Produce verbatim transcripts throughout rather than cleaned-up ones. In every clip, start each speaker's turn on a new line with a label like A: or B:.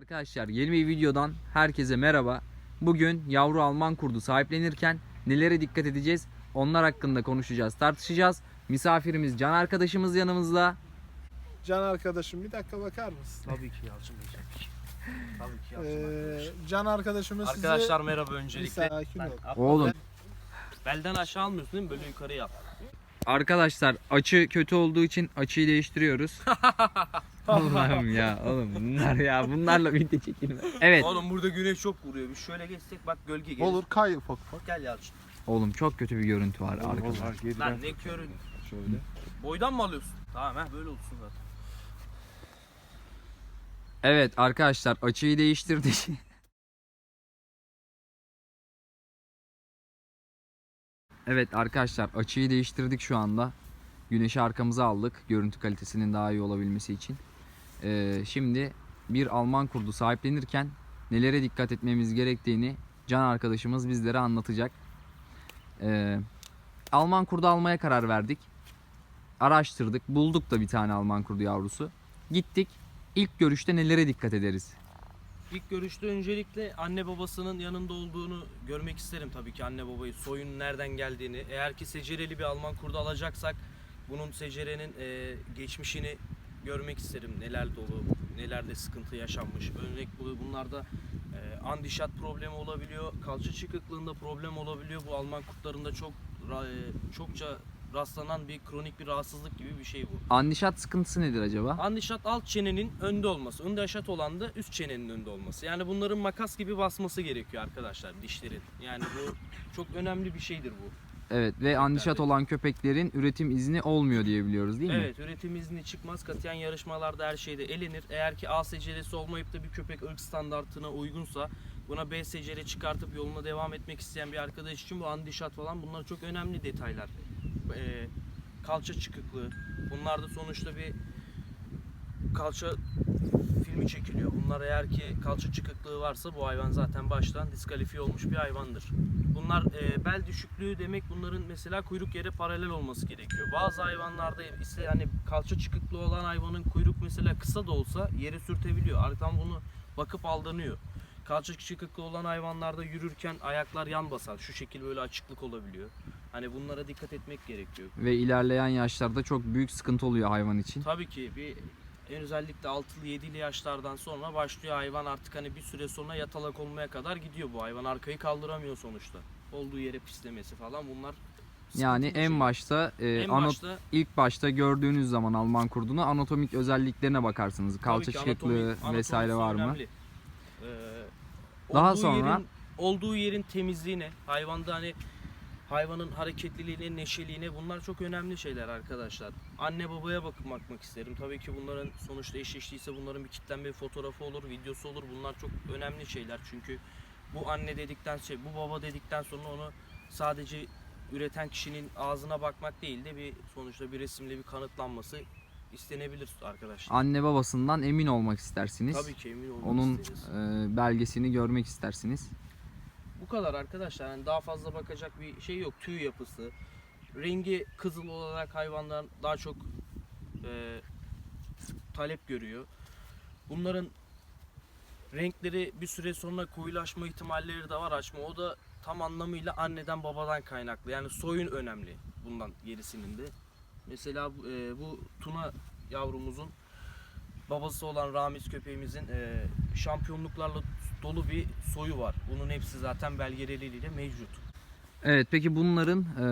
A: Arkadaşlar yeni bir videodan herkese merhaba. Bugün yavru Alman kurdu sahiplenirken nelere dikkat edeceğiz? Onlar hakkında konuşacağız, tartışacağız. Misafirimiz Can arkadaşımız yanımızda.
B: Can arkadaşım bir dakika bakar mısın?
C: Tabii ki Yalçın Bey tabii ki. Tabii ki Yalçın
B: Ee,
C: arkadaşım.
B: Can arkadaşımız size...
C: Arkadaşlar merhaba
B: Bir
C: öncelikle.
B: sakin ol.
C: Ben-
A: Oğlum
C: Belden aşağı almıyorsun değil mi? Böyle yukarı yap.
A: arkadaşlar açı kötü olduğu için açıyı değiştiriyoruz. Allah'ım ya oğlum bunlar ya bunlarla video çekilme. Evet
C: Oğlum burada güneş çok vuruyor. Bir şöyle geçsek bak gölge gelir.
B: Olur kay ufak ufak.
C: Gel Yalçın.
A: oğlum çok kötü bir görüntü var
B: Olur,
A: arkada.
B: olur, geriden
C: Lan ne körün.
B: şöyle.
C: Boydan mı alıyorsun? Tamam ha böyle olsun zaten.
A: Evet arkadaşlar açıyı değiştirdik. Evet arkadaşlar açıyı değiştirdik şu anda. Güneşi arkamıza aldık görüntü kalitesinin daha iyi olabilmesi için. Ee, şimdi bir Alman kurdu sahiplenirken nelere dikkat etmemiz gerektiğini Can arkadaşımız bizlere anlatacak. Ee, Alman kurdu almaya karar verdik. Araştırdık, bulduk da bir tane Alman kurdu yavrusu. Gittik. İlk görüşte nelere dikkat ederiz?
C: İlk görüşte öncelikle anne babasının yanında olduğunu görmek isterim tabii ki, anne babayı, soyun nereden geldiğini. Eğer ki secereli bir Alman kurdu alacaksak bunun secerenin e, geçmişini görmek isterim. Neler dolu, nelerde sıkıntı yaşanmış. Örnek bu- bunlarda e, andişat problemi olabiliyor, kalça çıkıklığında problem olabiliyor. Bu Alman kurtlarında çok ra- e, çokça rastlanan bir kronik bir rahatsızlık gibi bir şey bu.
A: Andişat sıkıntısı nedir acaba?
C: Andişat alt çenenin önde olması, andişat olan da üst çenenin önde olması. Yani bunların makas gibi basması gerekiyor arkadaşlar dişlerin. Yani bu çok önemli bir şeydir bu.
A: Evet ve andişat olan köpeklerin üretim izni olmuyor diye biliyoruz değil mi?
C: Evet, üretim izni çıkmaz. Katiyen yarışmalarda her şeyde elenir. Eğer ki A seceresi olmayıp da bir köpek ırk standartına uygunsa buna B secere çıkartıp yoluna devam etmek isteyen bir arkadaş için bu andişat falan bunlar çok önemli detaylar. Ee, kalça çıkıklığı. Bunlar da sonuçta bir kalça filmi çekiliyor. Bunlar eğer ki kalça çıkıklığı varsa bu hayvan zaten baştan diskalifiye olmuş bir hayvandır. Bunlar e, bel düşüklüğü demek, bunların mesela kuyruk yere paralel olması gerekiyor. Bazı hayvanlarda ise hani kalça çıkıklığı olan hayvanın kuyruk mesela kısa da olsa yere sürtebiliyor. Arkadan bunu bakıp aldanıyor. Kalça çıkıklığı olan hayvanlarda yürürken ayaklar yan basar. Şu şekil böyle açıklık olabiliyor. Hani bunlara dikkat etmek gerekiyor.
A: Ve ilerleyen yaşlarda çok büyük sıkıntı oluyor hayvan için.
C: Tabii ki bir en özellikle altılı yedili yaşlardan sonra başlıyor hayvan artık hani bir süre sonra yatalak olmaya kadar gidiyor bu hayvan. Arkayı kaldıramıyor sonuçta. Olduğu yere pislemesi falan bunlar
A: Yani
C: sıkıntılı
A: en
C: şey.
A: başta e,
C: en
A: ana-
C: başta
A: ilk başta gördüğünüz zaman Alman kurdunu anatomik özelliklerine bakarsınız. Kalça
C: tabii ki
A: çıkıklığı
C: anatomi-
A: vesaire
C: anatomisi
A: var mı?
C: önemli. Ee,
A: Daha
C: olduğu
A: sonra-
C: yerin, olduğu yerin temizliğine, hayvanda hani hayvanın hareketliliğine, neşeliğine, bunlar çok önemli şeyler arkadaşlar. Anne babaya bakıp bakmak isterim. Tabii ki bunların sonuçta eşleştiyse bunların bir kitlenme bir fotoğrafı olur, videosu olur. Bunlar çok önemli şeyler. Çünkü bu anne dedikten şey, bu baba dedikten sonra onu sadece üreten kişinin ağzına bakmak değil de bir sonuçta bir resimle bir kanıtlanması istenebilir arkadaşlar.
A: Anne babasından emin olmak istersiniz.
C: Tabii ki emin olmak
A: Onun
C: isteriz.
A: e, belgesini görmek istersiniz.
C: Bu kadar arkadaşlar. Yani daha fazla bakacak bir şey yok. Tüy yapısı, rengi kızıl olarak hayvanlar daha çok e, talep görüyor. Bunların renkleri bir süre sonra koyulaşma ihtimalleri de var, açma. O da tam anlamıyla anneden babadan kaynaklı. Yani soyun önemli bundan gerisinin de. Mesela e, bu Tuna yavrumuzun babası olan Ramiz köpeğimizin e, şampiyonluklarla dolu bir soyu var. Bunun hepsi zaten belgeleriyle mevcut.
A: Evet peki bunların e,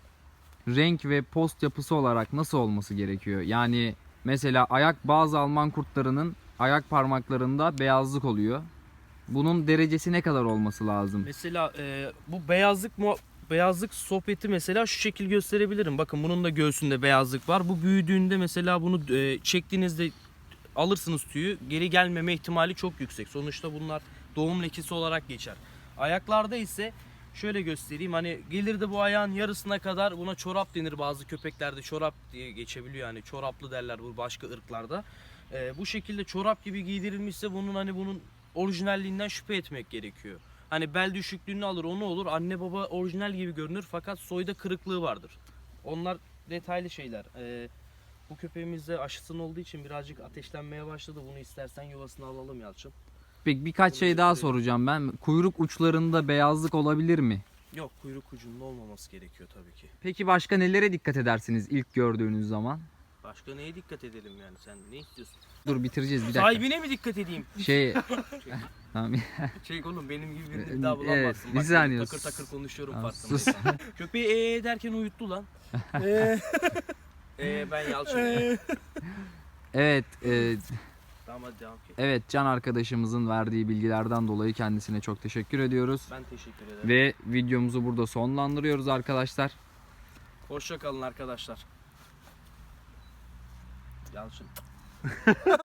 A: renk ve post yapısı olarak nasıl olması gerekiyor? Yani mesela ayak bazı Alman kurtlarının ayak parmaklarında beyazlık oluyor. Bunun derecesi ne kadar olması lazım?
C: Mesela e, bu beyazlık mu beyazlık sohbeti mesela şu şekil gösterebilirim. Bakın bunun da göğsünde beyazlık var. Bu büyüdüğünde mesela bunu e, çektiğinizde alırsınız tüyü, geri gelmeme ihtimali çok yüksek. Sonuçta bunlar doğum lekesi olarak geçer. Ayaklarda ise şöyle göstereyim, hani gelir de bu ayağın yarısına kadar, buna çorap denir, bazı köpeklerde çorap diye geçebiliyor, yani çoraplı derler bu başka ırklarda. Ee, bu şekilde çorap gibi giydirilmişse bunun hani bunun orijinalliğinden şüphe etmek gerekiyor. Hani bel düşüklüğünü alır, onu olur, anne baba orijinal gibi görünür fakat soyda kırıklığı vardır. Onlar detaylı şeyler. Ee, Bu köpeğimizde aşısının olduğu için birazcık ateşlenmeye başladı. Bunu istersen yuvasına alalım Yalçın.
A: Peki birkaç şey daha soracağım ben. Kuyruk uçlarında beyazlık olabilir mi?
C: Yok, kuyruk ucunda olmaması gerekiyor tabii ki.
A: Peki başka nelere dikkat edersiniz ilk gördüğünüz zaman?
C: Başka neye dikkat edelim yani, sen ne istiyorsun?
A: Dur bitireceğiz bir dakika.
C: Sahibine mi dikkat edeyim?
A: Şey tamam.
C: Şey oğlum, benim gibi birini bir daha
A: Evet,
C: bulamazsın.
A: bir
C: Bak,
A: saniye.
C: takır takır konuşuyorum
A: Tamam,
C: farkındaysan. Köpeği ee derken uyuttu lan.
B: Ee,
C: Ee ben Yalçın.
A: Evet, e,
C: Tamam hadi devam et.
A: evet Can arkadaşımızın verdiği bilgilerden dolayı kendisine çok teşekkür ediyoruz.
C: Ben teşekkür ederim.
A: Ve videomuzu burada sonlandırıyoruz arkadaşlar.
C: Hoşça kalın arkadaşlar. Yalçın.